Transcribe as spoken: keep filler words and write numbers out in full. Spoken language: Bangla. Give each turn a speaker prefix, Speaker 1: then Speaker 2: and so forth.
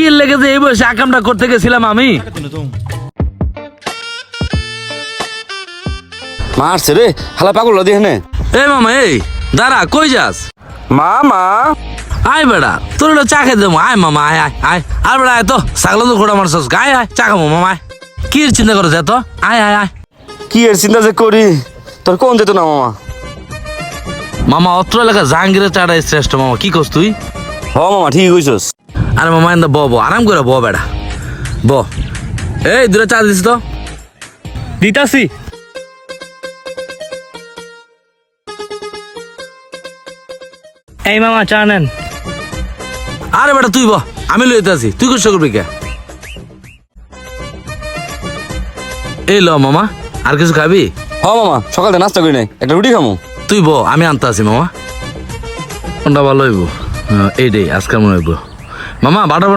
Speaker 1: কি লেগে যে এই বয়সে আকামটা করতে গেছিলাম আমি।
Speaker 2: মারছে রে হালা পাগল দিয়ে নে।
Speaker 1: এই মামা এই দাঁড়া, কই যাস?
Speaker 2: মা মা
Speaker 1: আয় বেড়া, তোর হলো চা খেতে দেবো। আয় মামা আয় আয় আয়। আর বেড়া আয় তো, ছাগল তো ঘোড়া মারছস, আয় আয় চা খাবো মামা আয়। কি এর চিন্তা করছ এত? আয় আয় আয়।
Speaker 2: কি এর চিন্তা যে করি, তোর কোন যেত না মামা।
Speaker 1: মামা অত্র এলাকা জাহাঙ্গীরের চাটাই শ্রেষ্ঠ মামা, কি করছ তুই?
Speaker 2: হ মামা ঠিক কইছস।
Speaker 1: আরে মামা এন্দা ব ব আরাম করে ব বেড়া ব। এই দূরে চা দিস তো।
Speaker 3: দিতাছি। এই মামা চা নেন।
Speaker 1: আরে বেটা তুই ব, আমি লইতে আছি, তুই কষ্ট করবি কে? এই ল মামা, আর কিছু খাবি?
Speaker 2: হ মামা সকালে নাস্তা করি নাই, একটা রুটি খামু।
Speaker 1: তুই ব, আমি আনতে আছি মামা। কোনটা ভালো হইব? এইটাই আজকাল মনে হইব মামা। বাটা